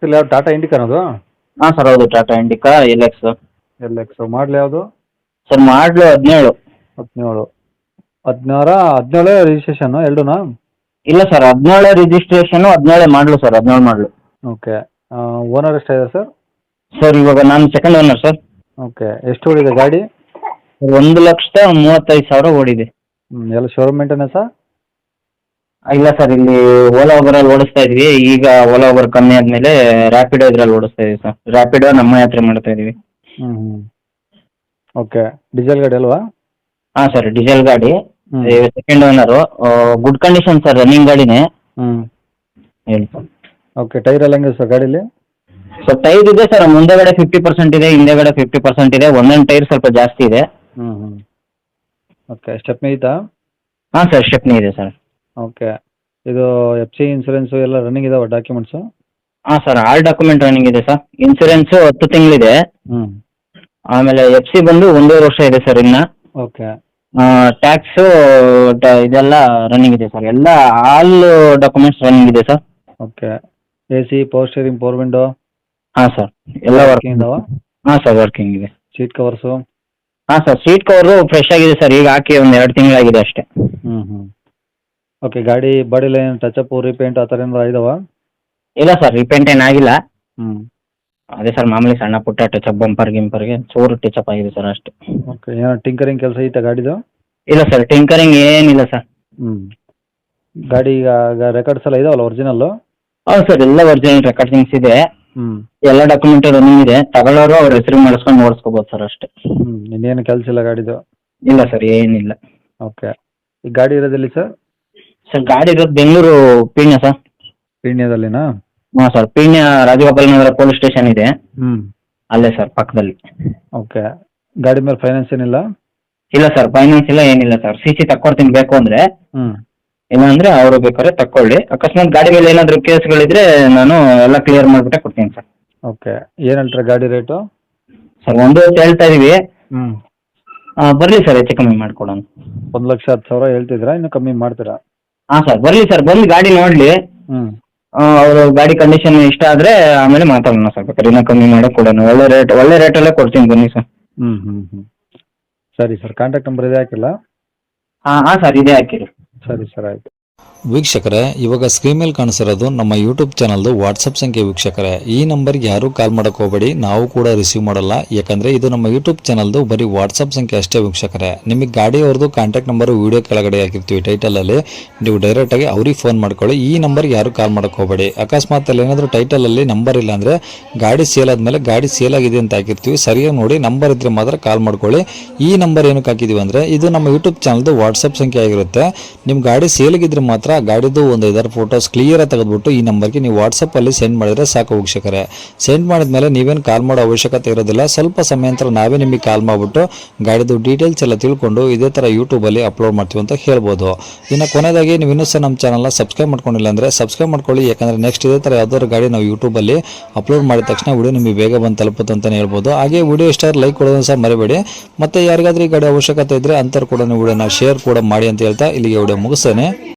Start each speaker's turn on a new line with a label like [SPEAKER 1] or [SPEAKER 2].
[SPEAKER 1] ಗೊತ್ತಿಲ್ಲ, ಯಾವ್ದು ಟಾಟಾ ಇಂಡಿಕಾನ ಅದು?
[SPEAKER 2] ಹಾಂ ಸರ್ ಹೌದು, Tata Indica LX.
[SPEAKER 1] L X model ಯಾವುದು?
[SPEAKER 2] ಸರ್ ಮಾಡಲು 17.
[SPEAKER 1] 17. 17 ರಿಜಿಸ್ಟ್ರೇಷನ್ ಎರಡೂನಾ?
[SPEAKER 2] ಇಲ್ಲ ಸರ್, 17 ರಿಜಿಸ್ಟ್ರೇಷನು, 17 ಮಾಡಲು ಸರ್, 17 ಮಾಡಲು.
[SPEAKER 1] ಓಕೆ. ಓನರ್ ಎಷ್ಟಾಗಿದೆ ಸರ್?
[SPEAKER 2] ಸರ್ ಇವಾಗ ನಾನು ಸೆಕೆಂಡ್ ಓನರ್ ಸರ್.
[SPEAKER 1] ಓಕೆ. ಎಷ್ಟು ಓಡಿದೆ ಗಾಡಿ?
[SPEAKER 2] 1,35,000 ಓಡಿದೆ.
[SPEAKER 1] ಎಲ್ಲ ಶೋರೂಮ್ ಮೇಂಟೆನೆನ್ಸಾ?
[SPEAKER 2] ಇಲ್ಲ ಸರ್, ಇಲ್ಲಿ ಓಲಾ ಓಬರಲ್ಲಿ ಓಡಿಸ್ತಾ ಇದ್ವಿ. ಈಗ ಓಲಾ ಓಬರ್ ಕಮ್ಮಿ ಆದಮೇಲೆ ರ್ಯಾಪಿಡೋ ಇದ್ರಲ್ಲಿ ಓಡಿಸ್ತಾ ಇದೀವಿ ಸರ್. ರ್ಯಾಪಿಡೋ ನಮ್ಮ ಯಾತ್ರೆ ಮಾಡ್ತಾ ಇದೀವಿ.
[SPEAKER 1] ಹ್ಞೂ. ಓಕೆ. ಡೀಸೆಲ್ ಗಾಡಿ ಅಲ್ವಾ?
[SPEAKER 2] ಹಾಂ ಸರ್, ಡೀಸೆಲ್ ಗಾಡಿ,
[SPEAKER 1] ಹ್ಞೂ.
[SPEAKER 2] Second owner. Good condition sir, running ಗಾಡಿನೇ.
[SPEAKER 1] ಹ್ಞೂ.
[SPEAKER 2] ಹೇಳಿ ಸರ್.
[SPEAKER 1] ಓಕೆ. ಟೈರ್ ಎಲ್ಲ ಹೆಂಗಿದೆ ಸರ್ ಗಾಡೀಲಿ?
[SPEAKER 2] ಸರ್ ಟೈರ್ ಇದೆ ಸರ್, ಮುಂದೆಗಡೆ 50% ಇದೆ, ಹಿಂದೆಗಡೆ 50% ಇದೆ. ಒಂದೊಂದು ಟೈರ್ ಸ್ವಲ್ಪ ಜಾಸ್ತಿ ಇದೆ.
[SPEAKER 1] ಹ್ಞೂ. ಓಕೆ. ಸ್ಟೆಪ್ನಿ ಐತಾ?
[SPEAKER 2] ಹಾಂ ಸರ್, ಸ್ಟೆಪ್ನಿ ಇದೆ ಸರ್.
[SPEAKER 1] ಓಕೆ. ಇದು ಎಫ್ ಸಿ ಇನ್ಸೂರೆನ್ಸು ಎಲ್ಲ ರನ್ನಿಂಗ್ ಇದಾವೆ ಡಾಕ್ಯುಮೆಂಟ್ಸು?
[SPEAKER 2] ಹಾಂ ಸರ್, ಆಲ್ ಡಾಕ್ಯುಮೆಂಟ್ ರನ್ನಿಂಗ್ ಇದೆ ಸರ್. ಇನ್ಸೂರೆನ್ಸು 10 ತಿಂಗಳಿದೆ.
[SPEAKER 1] ಹ್ಞೂ.
[SPEAKER 2] ಆಮೇಲೆ FC ಬಂದು 1.5 ವರ್ಷ ಇದೆ ಸರ್ ಇನ್ನು.
[SPEAKER 1] ಓಕೆ.
[SPEAKER 2] ಟ್ಯಾಕ್ಸು ಇದೆಲ್ಲ ರನ್ನಿಂಗ್ ಇದೆ ಸರ್. ಎಲ್ಲ ಆಲ್ ಡಾಕ್ಯುಮೆಂಟ್ಸ್ ರನ್ನಿಂಗ್ ಇದೆ sir.
[SPEAKER 1] Okay. A C, power steering, power window
[SPEAKER 2] ಹಾಂ ಸರ್, ಎಲ್ಲ
[SPEAKER 1] ವರ್ಕಿಂಗ್
[SPEAKER 2] ವರ್ಕಿಂಗ್.
[SPEAKER 1] ಇದಾವ?
[SPEAKER 2] ಹಾಂ ಸರ್, ವರ್ಕಿಂಗ್ ಇದೆ.
[SPEAKER 1] Seat covers?
[SPEAKER 2] ಹಾಂ ಸರ್, ಸೀಟ್ ಕವರು ಫ್ರೆಶ್ ಆಗಿದೆ ಸರ್, ಈಗ ಹಾಕಿ ಒಂದು 2 ತಿಂಗಳಾಗಿದೆ ಅಷ್ಟೇ.
[SPEAKER 1] ಹ್ಞೂ. ಓಕೆ. ಗಾಡಿ ಬಾಡಿ ಲೈನ್ ಟಚಪ್ ರೀಪೇಂಟ್ ಆ ಥರ ಏನಾರು ಇದಾವ?
[SPEAKER 2] ಇಲ್ಲ ಸರ್, ರಿಪೇಂಟ್ ಏನಾಗಿಲ್ಲ.
[SPEAKER 1] ಹ್ಞೂ.
[SPEAKER 2] ಅದೇ ಸರ್, ಮಾಮೂಲಿ ಸಣ್ಣ ಪುಟ್ಟ ಟಚಪ್, ಬಂಪರ್ ಗಿಂಪರ್ಗೆ ಚೂರು ಟಚಪ್ ಆಗಿದೆ ಸರ್ ಅಷ್ಟೇ.
[SPEAKER 1] ಓಕೆ. ಏನೋ ಟಿಂಕರಿಂಗ್ ಕೆಲಸ ಐತಾ ಗಾಡಿದು?
[SPEAKER 2] ಇಲ್ಲ ಸರ್, ಟಿಂಕರಿಂಗ್ ಏನಿಲ್ಲ ಸರ್.
[SPEAKER 1] ಹ್ಞೂ. ಗಾಡಿ ಈಗ ರೆಕಾರ್ಡ್ಸ್ ಎಲ್ಲ ಇದಾವಲ್ಲ ಒರಿಜಿನಲ್ಲು?
[SPEAKER 2] ಹೌದು ಸರ್, ಎಲ್ಲ ಒರಿಜಿನಲ್ ರೆಕಾರ್ಡಿಂಗ್ಸ್ ಇದೆ.
[SPEAKER 1] ಹ್ಞೂ.
[SPEAKER 2] ಎಲ್ಲ ಡಾಕ್ಯುಮೆಂಟ್ ರನ್ನಿಂಗ್ ಇದೆ. ತಗೊಳ್ಳೋರು ಅವ್ರ ಹೆಸರು ಮಾಡಿಸ್ಕೊಂಡು ಓಡಿಸ್ಕೋಬೋದು ಸರ್ ಅಷ್ಟೇ.
[SPEAKER 1] ಹ್ಞೂ. ಇನ್ನೇನು ಕೆಲಸ ಇಲ್ಲ ಗಾಡಿದು?
[SPEAKER 2] ಇಲ್ಲ ಸರ್, ಏನಿಲ್ಲ.
[SPEAKER 1] ಓಕೆ. ಈ ಗಾಡಿ ಇರೋದಿಲ್ಲಿ ಸರ್?
[SPEAKER 2] ಸರ್ ಗಾಡಿ ಇರೋದು ಬೆಂಗಳೂರು ಪೀಣ್ಯ ಸರ್.
[SPEAKER 1] ಪೀಣ್ಯದಲ್ಲಿನಾ?
[SPEAKER 2] ಹಾಂ sir, Peenya Rajagopal Nagar police station ಇದೆ,
[SPEAKER 1] ಹ್ಞೂ.
[SPEAKER 2] ಅಲ್ಲೇ ಸರ್ ಪಕ್ಕದಲ್ಲಿ.
[SPEAKER 1] ಓಕೆ. ಗಾಡಿ ಮೇಲೆ ಫೈನಾನ್ಸ್ ಏನಿಲ್ಲ?
[SPEAKER 2] ಇಲ್ಲ ಸರ್, ಫೈನಾನ್ಸ್ ಇಲ್ಲ, ಏನಿಲ್ಲ ಸರ್. CC ತಕ್ಕೊಡ್ತೀನಿ ಬೇಕು ಅಂದರೆ.
[SPEAKER 1] ಹ್ಞೂ.
[SPEAKER 2] ಇಲ್ಲಾಂದರೆ ಅವರು ಬೇಕಾದ್ರೆ ತಕ್ಕೊಳ್ಳಿ. ಅಕಸ್ಮಾತ್ ಗಾಡಿ ಮೇಲೆ ಏನಾದರೂ ಕೇಸ್ಗಳಿದ್ರೆ ನಾನು ಎಲ್ಲ ಕ್ಲಿಯರ್ ಮಾಡಿಬಿಟ್ಟೆ ಕೊಡ್ತೀನಿ ಸರ್.
[SPEAKER 1] ಓಕೆ. ಏನು ಹೇಳ್ತಾರೆ ಗಾಡಿ ರೇಟು?
[SPEAKER 2] ಸರ್ 1 ಹೇಳ್ತಾ ಇದೀವಿ.
[SPEAKER 1] ಹ್ಞೂ.
[SPEAKER 2] ಬರಲಿ ಸರ್, ಹೆಚ್ಚು ಕಮ್ಮಿ ಮಾಡಿಕೊಡೋಣ.
[SPEAKER 1] 1,10,000 ಹೇಳ್ತಿದ್ರಾ? ಇನ್ನೂ ಕಮ್ಮಿ ಮಾಡ್ತೀರಾ?
[SPEAKER 2] ಹಾಂ ಸರ್, ಬರಲಿ ಸರ್, ಬಂದು ಗಾಡಿ ನೋಡಲಿ.
[SPEAKER 1] ಹ್ಞೂ.
[SPEAKER 2] ಅವರು ಗಾಡಿ ಕಂಡೀಷನ್ ಇಷ್ಟ ಆದರೆ ಆಮೇಲೆ ಮಾತಾಡೋಣ ಸರ್. ಬೇಕಾದ್ರೆ ಇನ್ನೂ ಕಮ್ಮಿ ಮಾಡೋಕೆ ಕೊಡೋಣ. ಒಳ್ಳೆ ರೇಟಲ್ಲೇ ಕೊಡ್ತೀನಿ, ಬನ್ನಿ ಸರ್.
[SPEAKER 1] ಹ್ಞೂ. ಸರಿ ಸರ್, ಕಾಂಟ್ಯಾಕ್ಟ್ ನಂಬರ್ ಇದೆ ಹಾಕಿಲ್ಲ?
[SPEAKER 2] ಹಾಂ ಸರ್, ಇದೇ ಹಾಕಿರಿ.
[SPEAKER 1] ಸರಿ ಸರ್, ಆಯಿತು.
[SPEAKER 3] ವೀಕ್ಷಕರೇ, ಇವಾಗ ಸ್ಕ್ರೀನ್ ಮೇಲೆ ಕಾಣಿಸಿರೋದು ನಮ್ಮ ಯೂಟ್ಯೂಬ್ ಚಾನಲ್ದು ವಾಟ್ಸಪ್ ಸಂಖ್ಯೆ. ವೀಕ್ಷಕರೇ, ಈ ನಂಬರ್ಗೆ ಯಾರೂ ಕಾಲ್ ಮಾಡೋಕೆ ಹೋಗಬೇಡಿ, ನಾವು ಕೂಡ ರಿಸೀವ್ ಮಾಡಲ್ಲ. ಯಾಕಂದರೆ ಇದು ನಮ್ಮ ಯೂಟ್ಯೂಬ್ ಚಾನಲ್ದು ಬರೀ ವಾಟ್ಸಪ್ ಸಂಖ್ಯೆ ಅಷ್ಟೇ. ವೀಕ್ಷಕರೇ, ನಿಮಗೆ ಗಾಡಿಯವ್ರದ್ದು ಕಾಂಟ್ಯಾಕ್ಟ್ ನಂಬರು ವೀಡಿಯೋ ಕೆಳಗಡೆ ಹಾಕಿರ್ತೀವಿ ಟೈಟಲಲ್ಲಿ, ನೀವು ಡೈರೆಕ್ಟಾಗಿ ಅವ್ರಿಗೆ ಫೋನ್ ಮಾಡ್ಕೊಳ್ಳಿ. ಈ ನಂಬರ್ಗೆ ಯಾರೂ ಕಾಲ್ ಮಾಡೋಕೆ ಹೋಗಬೇಡಿ. ಅಕಸ್ಮಾತ್ ಅಲ್ಲಿ ಏನಾದರೂ ಟೈಟಲಲ್ಲಿ ನಂಬರ್ ಇಲ್ಲ ಅಂದರೆ ಗಾಡಿ ಸೇಲ್ ಆದಮೇಲೆ ಗಾಡಿ ಸೇಲ್ ಆಗಿದೆ ಅಂತ ಹಾಕಿರ್ತೀವಿ, ಸರಿಯಾಗಿ ನೋಡಿ ನಂಬರ್ ಇದ್ದರೆ ಮಾತ್ರ ಕಾಲ್ ಮಾಡ್ಕೊಳ್ಳಿ. ಈ ನಂಬರ್ ಏನಕ್ಕೆ ಹಾಕಿದ್ದೀವಿ ಅಂದರೆ ಇದು ನಮ್ಮ ಯೂಟ್ಯೂಬ್ ಚಾನಲ್ದು ವಾಟ್ಸಪ್ ಸಂಖ್ಯೆ ಆಗಿರುತ್ತೆ. ನಿಮ್ಮ ಗಾಡಿ ಸೇಲ್ಗಿದ್ರೆ ಮಾತ್ರ ಗಾಡಿದು ಒಂದು 5 ಫೋಟೋಸ್ ಕ್ಲಿಯರಾಗಿ ತೆಗೆದುಬಿಟ್ಟು ಈ ನಂಬರ್ಗೆ ನೀವು ವಾಟ್ಸಪ್ಪಲ್ಲಿ ಸೆಂಡ್ ಮಾಡಿದರೆ ಸಾಕು. ವೀಕ್ಷಕರೇ, ಸೆಂಡ್ ಮಾಡಿದ್ಮೇಲೆ ನೀವೇನು ಕಾಲ್ ಮಾಡೋ ಅವಶ್ಯಕತೆ ಇರೋದಿಲ್ಲ. ಸ್ವಲ್ಪ ಸಮಯ ನಂತರ ನಾವೇ ನಿಮಗೆ ಕಾಲ್ ಮಾಡಿಬಿಟ್ಟು ಗಾಡಿದು ಡೀಟೇಲ್ಸ್ ಎಲ್ಲ ತಿಳ್ಕೊಂಡು ಇದೇ ಥರ ಯೂಟ್ಯೂಬಲ್ಲಿ ಅಪ್ಲೋಡ್ ಮಾಡ್ತೀವಿ ಅಂತ ಹೇಳ್ಬೋದು. ಇನ್ನು ಕೊನೆಯದಾಗಿ ನೀವು ಇನ್ನೂ ಸಹ ನಮ್ಮ ಚಾನಲ್ನ ಸಬ್ಸ್ಕ್ರೈಬ್ ಮಾಡ್ಕೊಂಡಿಲ್ಲ ಅಂದರೆ ಸಬ್ಸ್ಕ್ರೈಬ್ ಮಾಡ್ಕೊಳ್ಳಿ. ಯಾಕಂದರೆ ನೆಕ್ಸ್ಟ್ ಇದೇ ಥರ ಯಾವ್ದಾದ್ರು ಗಾಡಿ ನಾವು ಯೂಟ್ಯೂಬಲ್ಲಿ ಅಪ್ಲೋಡ್ ಮಾಡಿದ ತಕ್ಷಣ ವಿಡಿಯೋ ನಿಮಗೆ ಬೇಗ ಬಂದು ತಲುಪುತ್ತೆ ಅಂತಲೇ ಹೇಳ್ಬೋದು. ಹಾಗೆ ವಿಡಿಯೋ ಇಷ್ಟ ಲೈಕ್ ಕೊಡೋದನ್ನು ಸಹ ಮರಿಬೇಡಿ. ಮತ್ತು ಯಾರಿಗಾದ್ರೂ ಈ ಗಾಡಿ ಅವಶ್ಯಕತೆ ಇದ್ದರೆ ಅಂಥವ್ರು ಕೂಡ ವಿಡಿಯೋನ ಶೇರ್ ಕೂಡ ಮಾಡಿ ಅಂತ ಹೇಳ್ತಾ ಇಲ್ಲಿಗೆ ವಿಡಿಯೋ ಮುಗಿಸ್ತೇನೆ.